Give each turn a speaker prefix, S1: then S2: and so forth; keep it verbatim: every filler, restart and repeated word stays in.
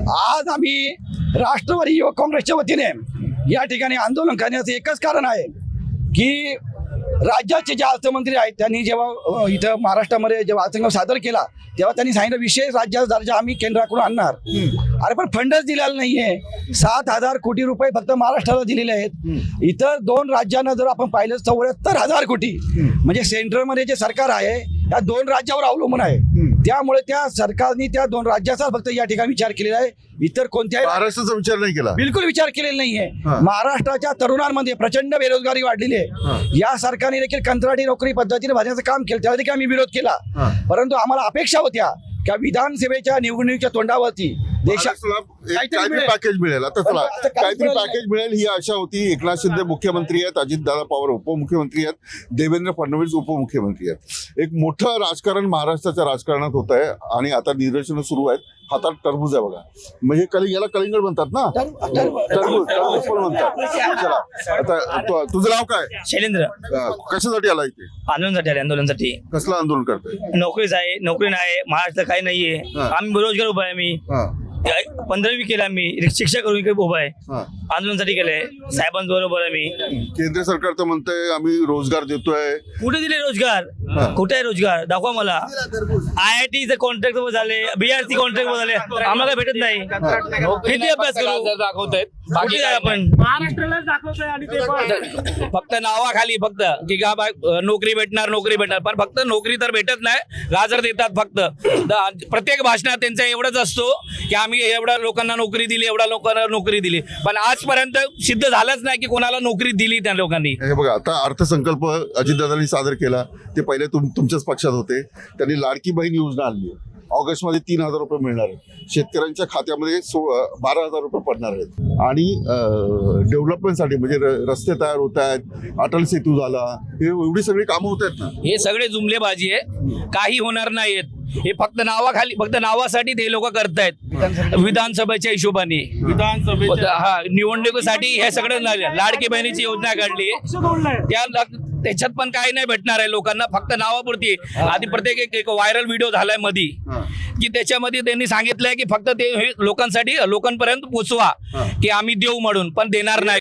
S1: आज आम्ही राष्ट्रवादी युवक काँग्रेसच्या वतीने या ठिकाणी आंदोलन करण्याचं एकच कारण आहे की राज्याचे जे अर्थमंत्री आहेत त्यांनी जेव्हा इथं महाराष्ट्रामध्ये जेव्हा अर्थसंकल्प सादर केला तेव्हा त्यांनी सांगितलं विशेष राज्याचा दर्जा आम्ही केंद्राकडून आणणार. अरे पण फंडच दिलेला नाहीये. सात हजार कोटी रुपये फक्त महाराष्ट्राला दिलेले आहेत. इतर दोन राज्यांना जर आपण पाहिलं चौऱ्याहत्तर हजार कोटी म्हणजे सेंट्रलमध्ये जे सरकार आहे त्या दोन राज्यावर अवलंबून आहे. त्यामुळे त्या सरकारने त्या दोन राज्याचा फक्त या ठिकाणी विचार केलेला आहे. इतर कोणत्याही
S2: महाराष्ट्राचा विचार नाही केला,
S1: बिलकुल विचार केलेला नाहीये. महाराष्ट्राच्या तरुणांमध्ये प्रचंड बेरोजगारी वाढलेली आहे. या सरकारने देखील कंत्राटी नोकरी पद्धतीने भरण्याचं काम केलं, त्याला देखील आम्ही विरोध केला. परंतु आम्हाला अपेक्षा होत्या की विधानसभेच्या निवडणुकीच्या तोंडावरती देशात
S2: काहीतरी पॅकेज मिळेल. आता चला
S1: आता काही
S2: काहीतरी
S1: मिळालं
S2: पॅकेज मिळेल ही आशा होती. एकनाथ शिंदे मुख्यमंत्री आहेत, अजितदादा पवार उपमुख्यमंत्री आहेत, देवेंद्र फडणवीस उपमुख्यमंत्री आहेत. एक मोठं राजकारण महाराष्ट्राच्या राजकारणात होत आहे आणि आता निदर्शनं सुरू आहेत. हातात टरबूज आहे बघा, म्हणजे कलिंग याला कलिंगड म्हणतात ना, टरबूज टरबूज पण म्हणतात. चला आता तु- तुझं नाव काय?
S3: शैलेंद्र.
S2: अं, कशासाठी आला इथे?
S3: आंदोलनासाठी आले आंदोलनासाठी.
S2: कसलं आंदोलन करताय?
S3: नोकरीच आहे, नोकरी नाही, महाराष्ट्र काही नाहीये.
S2: हा.
S3: आम्ही बेरोजगार उभा आहे. मी
S2: हा,
S3: पंधरावी केलं, आम्ही शिक्षा करून इकडे उभा आहे.
S2: हा.
S3: आंदोलनासाठी केलंय साहेबांबरोबर आम्ही.
S2: केंद्र सरकार तर म्हणतंय आम्ही रोजगार देतोय.
S3: कुठे दिले रोजगार? कुठे आहे रोजगार? दाखवा मला. आय आय टीचे कॉन्ट्रॅक्ट झाले, बीआरसी कॉन्ट्रॅक्ट झाले, आम्हाला काय भेटत नाही. किती अभ्यास करू?
S4: दाखवतायत
S3: बाकी काय आपण
S4: महाराष्ट्राला दाखवतोय आणि ते पण
S3: फक्त नावाखाली फक्त की का बा नोकरी भेटणार नोकरी भेटणार, पण फक्त नोकरी तर भेटत नाही, गाजर देतात फक्त. द- प्रत्येक भाषणात त्यांचा एवढंच असतो की आम्ही एवढ्या लोकांना नोकरी दिली, एवढ्या लोकांना नोकरी दिली, पण आजपर्यंत सिद्ध झालंच नाही की कोणाला नोकरी दिली त्या लोकांनी.
S2: हे बघा आता अर्थसंकल्प अजितदादांनी सादर केला, ते पहिले तुम तुमच्याच पक्षात होते. त्यांनी लाडकी बहीण योजना आणली. ऑगस्ट मध्ये तीन हजार रुपये मिळणार आहेत. शेतकऱ्यांच्या खात्यामध्ये सो बारा हजार रुपये पडणार आहेत. आणि डेव्हलपमेंटसाठी म्हणजे र- रस्ते तयार होत आहेत, अटल सेतू झाला, हे एवढी सगळी कामं होत आहेत ना.
S3: हे सगळे जुमलेबाजी आहे, काही होणार नाहीत. हे फक्त नावाखाली फक्त नावासाठी ते लोक करतायत विधानसभेच्या हिशोबाने.
S4: विधानसभेच्या
S3: हा निवडणुकीसाठी हे सगळं झालं. लाडकी बहिणीची योजना काढली, त्या त्याच्यात पण काही नाही भेटणार आहे लोकांना, फक्त नावापुरती. आधी प्रत्येक एक- एक व्हायरल व्हिडिओ झालाय मधी की त्याच्यामध्ये त्यांनी सांगितलंय की फक्त ते हे लोकांसाठी लोकांपर्यंत पोचवा की आम्ही देऊ म्हणून, पण देणार नाही.